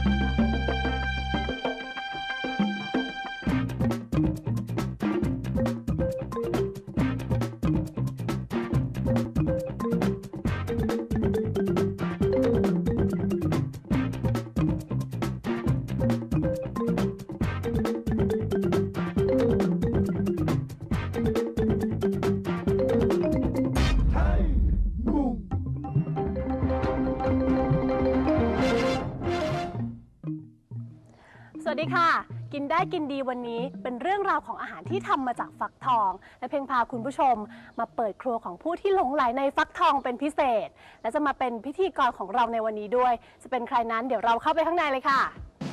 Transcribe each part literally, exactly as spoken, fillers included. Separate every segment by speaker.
Speaker 1: สวัสดีค่ะกินได้กินดีวันนี้เป็นเรื่องราวของอาหารที่ทำมาจากฟักทองและเพลงพาคุณผู้ชมมาเปิดครัวของผู้ที่หลงใหลในฟักทองเป็นพิเศษและจะมาเป็นพิธีกรของเราในวันนี้ด้วยจะเป็นใครนั้นเดี๋ยวเราเข้าไปข้างในเลยค่ะ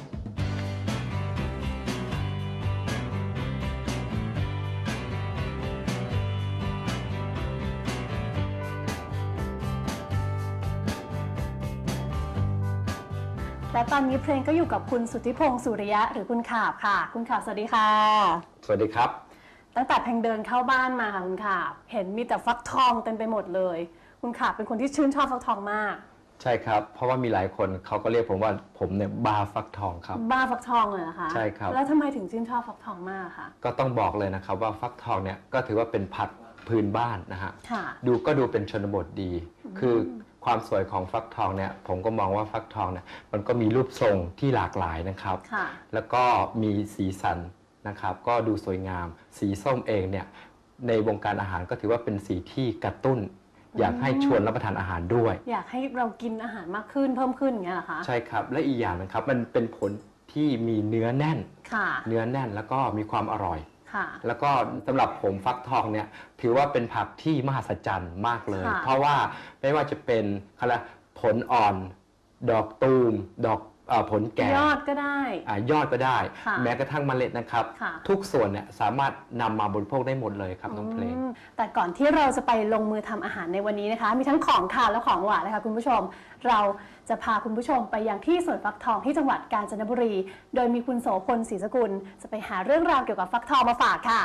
Speaker 1: และตอนนี้เพลงก็อยู่กับคุณสุทธิพงศ์สุริยะหรือคุณขาบค่ะคุณขาบสวัสดีค่ะ
Speaker 2: สวัสดีครับ
Speaker 1: ตั้งแต่เพลงเดินเข้าบ้านมาค่ะคุณขาบเห็นมีแต่ฟักทองเต็มไปหมดเลยคุณขาบเป็นคนที่ชื่นชอบฟักทองมาก
Speaker 2: ใช่ครับเพราะว่ามีหลายคนเขาก็เรียกผมว่าผมเนี่ยบ้าฟักทองครับ
Speaker 1: บ้าฟักทองเลยนะคะ
Speaker 2: ใช่ครับ
Speaker 1: แล้วทำไมถึงชื่นชอบฟักทองมากคะ
Speaker 2: ก็ต้องบอกเลยนะครับว่าฟักทองเนี่ยก็ถือว่าเป็นผักพื้นบ้านนะฮะดูก็ดูเป็นชนบทดีคือความสวยของฟักทองเนี่ยผมก็มองว่าฟักทองเนี่ยมันก็มีรูปทรงที่หลากหลายนะครับแล้วก็มีสีสันนะครับก็ดูสวยงามสีส้มเองเนี่ยในวงการอาหารก็ถือว่าเป็นสีที่กระตุ้นอยากให้ชวนรับประทานอาหารด้วย
Speaker 1: อยากให้เรากินอาหารมากขึ้นเพิ่มขึ้นอย่างเงี้ยเหรอคะ
Speaker 2: ใช่ครับและอีกอย่างนะครับมันเป็นผลที่มีเนื้อแน่นเนื้อแน่นแล้วก็มีความอร่อยแล้วก็สำหรับผมฟักทองเนี่ยถือว่าเป็นผักที่มหัศจรรย์มากเลยเพราะว่าไม่ว่าจะเป็นผลอ่อนดอกตูมดอกผลแก่
Speaker 1: ยอดก็ได้
Speaker 2: ยอดก็ได้แม้กระทั่งเมล็ดนะครับทุกส่วนเนี่ยสามารถนำมาบริโภคได้หมดเลยครับน้องเพลง
Speaker 1: แต่ก่อนที่เราจะไปลงมือทำอาหารในวันนี้นะคะมีทั้งของคาวและของหวานนะคะคุณผู้ชมเราจะพาคุณผู้ชมไปยังที่สวนฟักทองที่จังหวัดกาญจนบุรีโดยมีคุณโสพลศรีสกุลจะไปหาเรื่องราวเกี่ยวกับฟักทองมาฝากค่ะ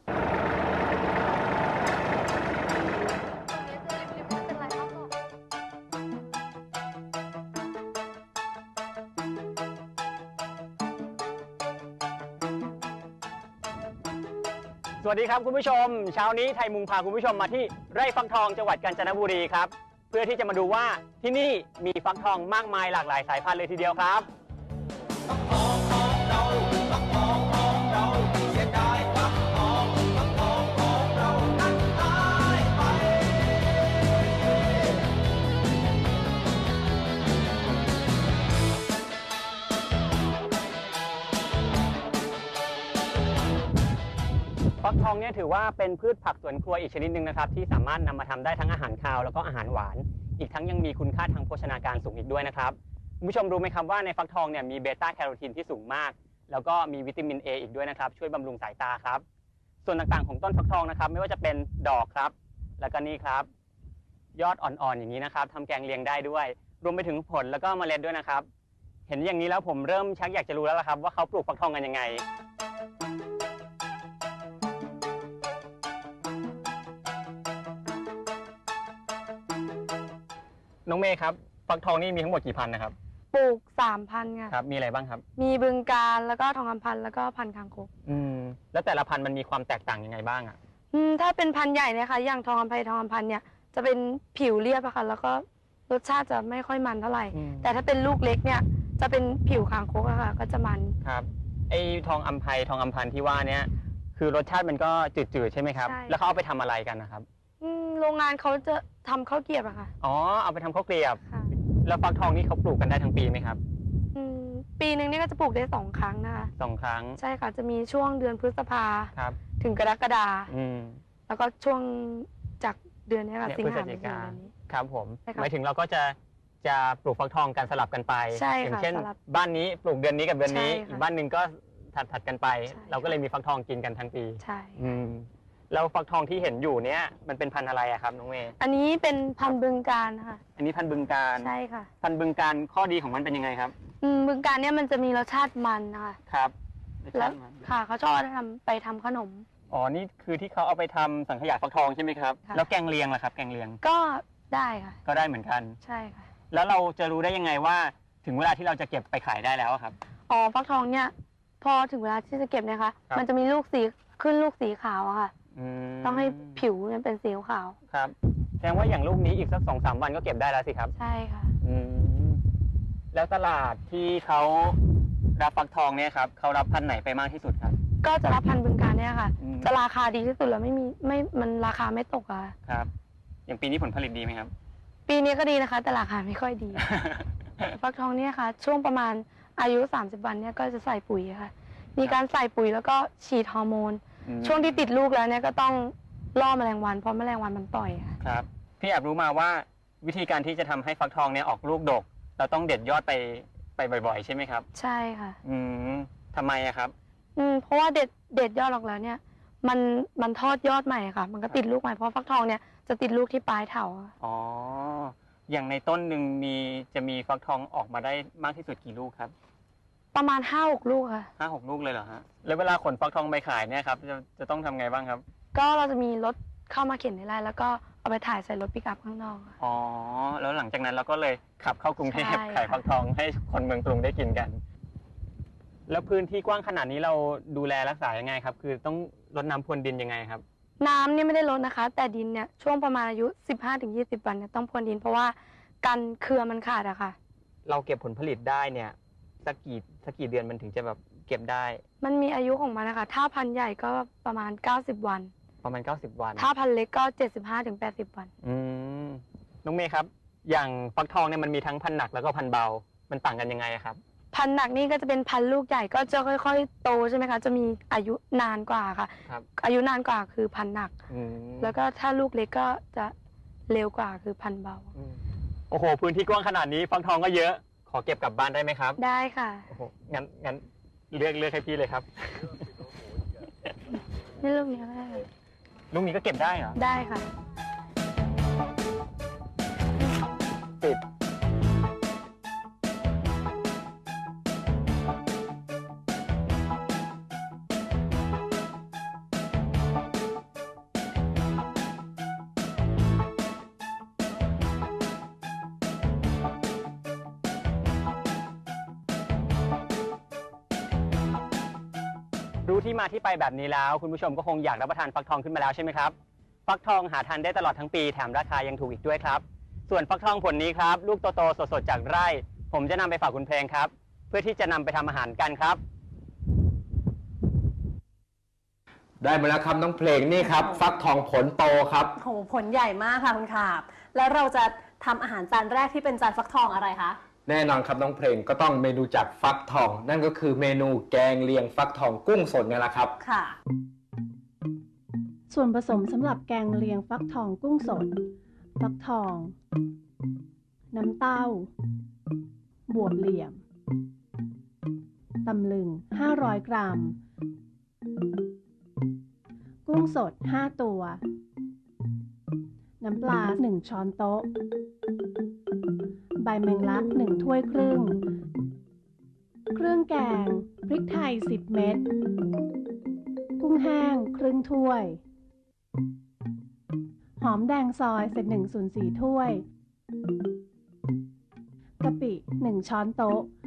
Speaker 3: สวัสดีครับคุณผู้ชมเช้านี้ไทยมุงพาคุณผู้ชมมาที่ไร่ฟักทองจังหวัดกาญจนบุรีครับเพื่อที่จะมาดูว่าที่นี่มีฟักทองมากมายหลากหลายสายพันธุ์เลยทีเดียวครับฟักทองของเราฟักทองของเราเสียดายฟักทองฟักทองของเรานั้นหายไปฟักทองเนี่ยถือว่าเป็นพืชผักสวนครัวอีกชนิดหนึ่งนะครับที่สามารถนำมาทำได้ทั้งอาหารคาวแล้วก็อาหารหวานอีกทั้งยังมีคุณค่าทางโภชนาการสูงอีกด้วยนะครับคุณผู้ชมรู้ไหมครับว่าในฟักทองเนี่ยมีเบต้าแคโรทีนที่สูงมากแล้วก็มีวิตามิน A อีกด้วยนะครับช่วยบำรุงสายตาครับส่วนต่างๆของต้นฟักทองนะครับไม่ว่าจะเป็นดอกครับแล้วก็นี่ครับยอดอ่อนๆอย่างนี้นะครับทำแกงเลียงได้ด้วยรวมไปถึงผลแล้วก็เมล็ดด้วยนะครับเห็นอย่างนี้แล้วผมเริ่มชักอยากจะรู้แล้วละครับว่าเขาปลูกฟักทองกันยังไงน้องเมย์ครับฟักทองนี่มีทั้งหมดกี่พันนะครับ
Speaker 4: ปลูกสามพันค่ะ
Speaker 3: ครับมีอะไรบ้างครับ
Speaker 4: มีบึงการแล้วก็ทองคำพันแล้วก็พันคางคก
Speaker 3: อืมแล้วแต่ละพันมันมีความแตกต่างยังไงบ้างอ่ะ
Speaker 4: อืมถ้าเป็นพันใหญ่เนี่ยค่ะอย่างทองคำไพทองคำพันเนี่ยจะเป็นผิวเรียบอะค่ะแล้วก็รสชาติจะไม่ค่อยมันเท่าไหร่แต่ถ้าเป็นลูกเล็กเนี่ยจะเป็นผิวคางคกอะค่ะก็จะมัน
Speaker 3: ครับไอ้ทองอัมไพทองอัมพันที่ว่าเนี่ยคือรสชาติมันก็จืดๆใช่ไหมครับแล้วเขาเอาไปทำอะไรกันนะครับ
Speaker 4: โรงงานเขาจะทำข้าวเกรียบอะค่ะ
Speaker 3: อ๋อเอาไปทำข้าวเกรียบแล้วฟักทองนี่เขาปลูกกันได้ทั้งปีไหมครับ
Speaker 4: อืมปีหนึ่งนี่ก็จะปลูกได้สองครั้งนะคะ
Speaker 3: สองครั้ง
Speaker 4: ใช่ค่ะจะมีช่วงเดือนพฤษภา
Speaker 3: ครับ
Speaker 4: ถึงกรกฎา
Speaker 3: คม
Speaker 4: แล้วก็ช่วงจากเดือนนี้ค่ะสิงหาคม
Speaker 3: ครับผมหมายถึงเราก็จะจะปลูกฟักทองกันสลับกันไป
Speaker 4: อย่าง
Speaker 3: เช่นบ้านนี้ปลูกเดือนนี้กับเดือนนี้อีกบ้านหนึ่งก็ถัดถัดกันไปเราก็เลยมีฟักทองกินกันทั้งปี
Speaker 4: ใช่
Speaker 3: แล้วฟักทองที่เห็นอยู่เนี้ยมันเป็นพันธุ์อะไรอะครับน้องเมย์
Speaker 4: อันนี้เป็นพันธุ์บึงการค่ะ
Speaker 3: อันนี้พันธุ์บึงการ
Speaker 4: ใช่ค่ะ
Speaker 3: พันธุ์บึงการข้อดีของมันเป็นยังไงครับ
Speaker 4: อืมบึงการเนี่ยมันจะมีรสชาติมันนะคะ
Speaker 3: ครับ
Speaker 4: แล้วค่ะเขาชอบทำไปทำขนม
Speaker 3: อ๋อนี่คือที่เขาเอาไปทำสังขยาฟักทองใช่ไหมครับแล้วแกงเลียงล่ะครับแกงเลียง
Speaker 4: ก็ได้ค่ะ
Speaker 3: ก็ได้เหมือนกัน
Speaker 4: ใช่ค่ะ
Speaker 3: แล้วเราจะรู้ได้ยังไงว่าถึงเวลาที่เราจะเก็บไปขายได้แล้วครับ
Speaker 4: อ๋อฟักทองเนี่ยพอถึงเวลาที่จะเก็บเนี่ยค่ะมันจะมีลูกสีขึ้นลูกสีขาวอะค่ะต้องให้ผิวเนี่ยเป็นสีขาว
Speaker 3: ครับแสดงว่าอย่างลูกนี้อีกสักสองสามวันก็เก็บได้แล้วสิครับ
Speaker 4: ใช่ค่ะ
Speaker 3: แล้วตลาดที่เขารับฟักทองเนี่ยครับเขารับพันธุ์ไหนไปมากที่สุดครับ
Speaker 4: ก็จะรับพันธุ์บึงกาฬเนี่ยค่ะจะราคาดีที่สุดแล้วไม่มีไม่มันราคาไม่ตกอะ
Speaker 3: ครับอย่างปีนี้ผลผลิตดีไหมครับ
Speaker 4: ปีนี้ก็ดีนะคะแต่ราคาไม่ค่อยดี ฟักทองเนี่ยค่ะช่วงประมาณอายุสามสิบวันเนี่ยก็จะใส่ปุ๋ยค่ะมีการใส่ปุ๋ยแล้วก็ฉีดฮอร์โมนช่วงที่ติดลูกแล้วเนี่ยก็ต้องล่อแมลงวันเพราะแมลงวันมันต่อยค่ะ
Speaker 3: ครับพี่แอบรู้มาว่าวิธีการที่จะทำให้ฟักทองเนี่ยออกลูกดกเราต้องเด็ดยอดไปไปบ่อยๆใช่ไหมครับ
Speaker 4: ใช่ค่ะ
Speaker 3: อืมทำไมอะครับ
Speaker 4: อืมเพราะว่าเด็ดเด็ดยอดออกแล้วเนี่ยมันมันทอดยอดใหม่ค่ะมันก็ติดลูกใหม่เพราะฟักทองเนี่ยจะติดลูกที่ปลายเถา
Speaker 3: อ๋ออย่างในต้นหนึ่งมีจะมีฟักทองออกมาได้มากที่สุดกี่ลูกครับ
Speaker 4: ประมาณห้าหกลูกค่ะ
Speaker 3: ห้าหกลูกเลยเหรอฮะแล้วเวลาขนฟักทองไปขายเนี่ยครับจะจะต้องทำไงบ้างครับ
Speaker 4: ก็เราจะมีรถเข้ามาเข็นในไร่แล้วก็เอาไปถ่ายใส่รถปิกอัพข้างนอก
Speaker 3: อ๋อแล้วหลังจากนั้นเราก็เลยขับเข้ากรุงเทพขายฟักทองให้คนเมืองกรุงได้กินกันแล้วพื้นที่กว้างขนาดนี้เราดูแลรักษายังไงครับคือต้องรดน้ำพรวนดินยังไงครับ
Speaker 4: น้ำเนี่ยไม่ได้ลดนะคะแต่ดินเนี่ยช่วงประมาณอายุ สิบห้าถึงยี่สิบ วันเนี่ยต้องพรวนดินเพราะว่ากันเครือมันขาดอะค่ะ
Speaker 3: เราเก็บผลผลิตได้เนี่ยสักกี่สักกี่เดือนมันถึงจะแบบเก็บได้
Speaker 4: มันมีอายุของมันนะคะถ้าพันธุ์ใหญ่ก็ประมาณเก้าสิบวัน
Speaker 3: ประมาณเก้าสิบวัน
Speaker 4: ถ้าพันธุ์เล็กก็เจ็ดสิบห้าถึงแปดสิบวัน
Speaker 3: อืมน้องเมย์ครับอย่างฟักทองเนี่ยมันมีทั้งพันธุ์หนักแล้วก็พันธุ์เบามันต่างกันยังไงครับ
Speaker 4: พันธุ์หนักนี่ก็จะเป็นพันธุ์ลูกใหญ่ก็จะค่อยๆโตใช่ไหมคะจะมีอายุนานกว่าค่ะอายุนานกว่าคือพันธุ์หนักแล้วก็ถ้าลูกเล็กก็จะเร็วกว่าคือพันธุ์เบา
Speaker 3: โอ้โหพื้นที่กว้างขนาดนี้ฟักทองก็เยอะขอเก็บกลับบ้านได้ไหมครับ
Speaker 4: ได้ค่ะ
Speaker 3: โอ้โหงั้นงั้นเลือกเลือกให้พี่เลยครับ
Speaker 4: นี่ลูกนี้ก็ได้
Speaker 3: ลูกนี้ก็เก็บได้เหรอ
Speaker 4: ได้ค่ะ
Speaker 3: ติดรู้ที่มาที่ไปแบบนี้แล้วคุณผู้ชมก็คงอยากรับประทานฟักทองขึ้นมาแล้วใช่ไหมครับฟักทองหาทานได้ตลอดทั้งปีแถมราคายังถูกอีกด้วยครับส่วนฟักทองผลนี้ครับลูกโตๆสดๆจากไร่ผมจะนำไปฝากคุณเพลงครับเพื่อที่จะนำไปทำอาหารกันครับ
Speaker 2: ได้มาแล้วครับน้องเพลงนี่ครับฟักทองผลโตครับ
Speaker 1: โหผลใหญ่มากค่ะคุณขาบแล้วเราจะทำอาหารจานแรกที่เป็นจานฟักทองอะไรคะ
Speaker 2: แน่นอนครับน้องเพลงก็ต้องเมนูจากฟักทองนั่นก็คือเมนูแกงเลียงฟักทองกุ้งสดนี่แหละครับ
Speaker 1: ค่ะส่วนผสมสำหรับแกงเลียงฟักทองกุ้งสดฟักทองน้ำเต้าบวบเหลี่ยมตำลึงห้าร้อยกรัมกุ้งสดห้าตัวน้ำปลาหนึ่งช้อนโต๊ะใบแมงลักหนึ่งถ้วยครึ่งเครื่องแกงพริกไทยสิบเม็ดกุ้งแห้งครึ่งถ้วยหอมแดงซอยเศษหนึ่งส่วนสี่ถ้วยกะปิหนึ่งช้อนโต๊ะ